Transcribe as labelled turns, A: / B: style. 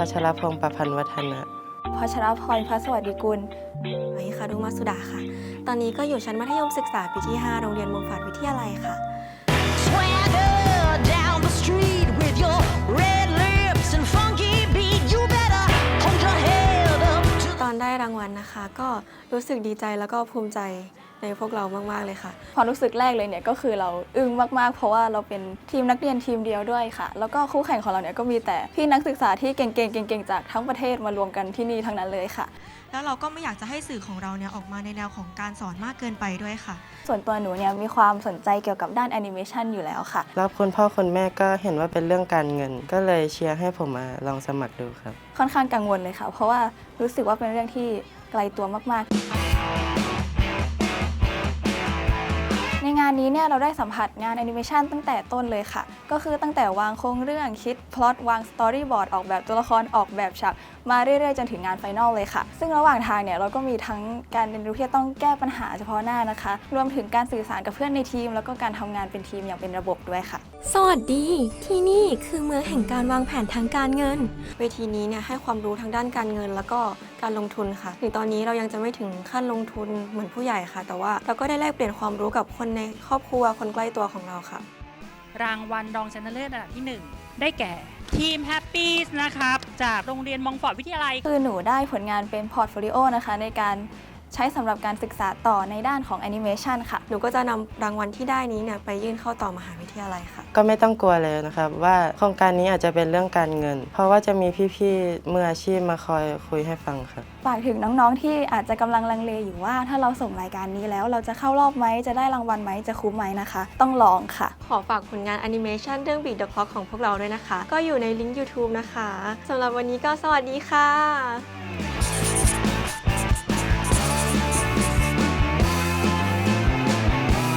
A: พัชรพงศ์ประพันธ์วัฒนะ
B: พัชรพร พระสวัสดิกุล
C: ไว้ค่ะดุมาสุดาค่ะ ตอนนี้ก็อยู่ชั้นมัธยมศึกษาปีที่ 5 โรงเรียนมุมฝาดวิทยาลัยค่ะ ตอนได้รางวัลนะคะ ก็รู้สึกดีใจแล้วก็ภูมิใจในพวกเรามากๆเลยค่ะ
B: ความรู้สึกแรกเลยเนี่ยก็คือเราอึ้งมากๆเพราะว่าเราเป็นทีมนักเรียนทีมเดียวด้วยค่ะแล้วก็คู่แข่งของเราเนี่ยก็มีแต่พี่นักศึกษาที่เก่งๆจากทั้งประเทศมารวมกันที่นี่ทั้งนั้นเลยค่ะ
C: แล้วเราก็ไม่อยากจะให้สื่อของเราเนี่ยออกมาในแนวของการสอนมากเกินไปด้วยค่ะ
B: ส่วนตัวหนูเนี่ยมีความสนใจเกี่ยวกับด้านแอนิเมชันอยู่แล้วค่ะ
A: แล้วคุณพ่อคุณแม่ก็เห็นว่าเป็นเรื่องการเงินก็เลยเชียร์ให้ผมมาลองสมัครดูครับ
B: ค่อนข้างกังวลเลยค่ะเพราะว่ารู้สึกว่าเป็นเรื่องที่ไกลตัวมากๆในงานนี้เนี่ยเราได้สัมผัสงานแอนิเมชันตั้งแต่ต้นเลยค่ะก็คือตั้งแต่วางโครงเรื่องคิดพล็อตวางสตอรี่บอร์ดออกแบบตัวละครออกแบบฉากมาเรื่อยๆจนถึงงานไฟนอลเลยค่ะซึ่งระหว่างทางเนี่ยเราก็มีทั้งการเรียนรู้ที่ต้องแก้ปัญหาเฉพาะหน้านะคะรวมถึงการสื่อสารกับเพื่อนในทีมแล้วก็การทำงานเป็นทีมอย่างเป็นระบบด้วยค่ะ
D: สวัสดีที่นี่คือเมืองแห่งการวางแผนทางการเงิน
C: เวทีนี้เนี่ยให้ความรู้ทางด้านการเงินแล้วก็การลงทุนค่ะถึงตอนนี้เรายังจะไม่ถึงขั้นลงทุนเหมือนผู้ใหญ่ค่ะแต่ว่าเราก็ได้แลกเปลี่ยนความรู้กับคนในครอบครัวคนใกล้ตัวของเราค่ะ
E: รางวัลรองชนะเลิศอันดับที่ 1 ได้แก่ทีมแฮปปี้นะครับจากโรงเรียนมองฟอร์ดวิทยาลัย
B: คือหนูได้ผลงานเป็นพอร์ตโฟลิโอนะคะในการใช้สำหรับการศึกษาต่อในด้านของแอนิเมชันค่ะ
C: หนูก็จะนำรางวัลที่ได้นี้เนี่ยไปยื่นเข้าต่อมหาวิทยาลัยค่ะ
A: ก็ไม่ต้องกลัวเลยนะครับว่าโครงการนี้อาจจะเป็นเรื่องการเงินเพราะว่าจะมีพี่ๆมืออาชีพมาคอยคุยให้ฟังครับ
B: ฝากถึงน้องๆที่อาจจะกำลังลังเลอยู่ว่าถ้าเราส่งรายการนี้แล้วเราจะเข้ารอบไหมจะได้รางวัลไหมจะคุ้มไหมนะคะต้องลองค่ะ
C: ขอฝากผลงานแอนิเมชันเรื่อง Beat the Clock ของพวกเราด้วยนะคะก็อยู่ในลิงก์ YouTube นะคะสำหรับวันนี้ก็สวัสดีค่ะ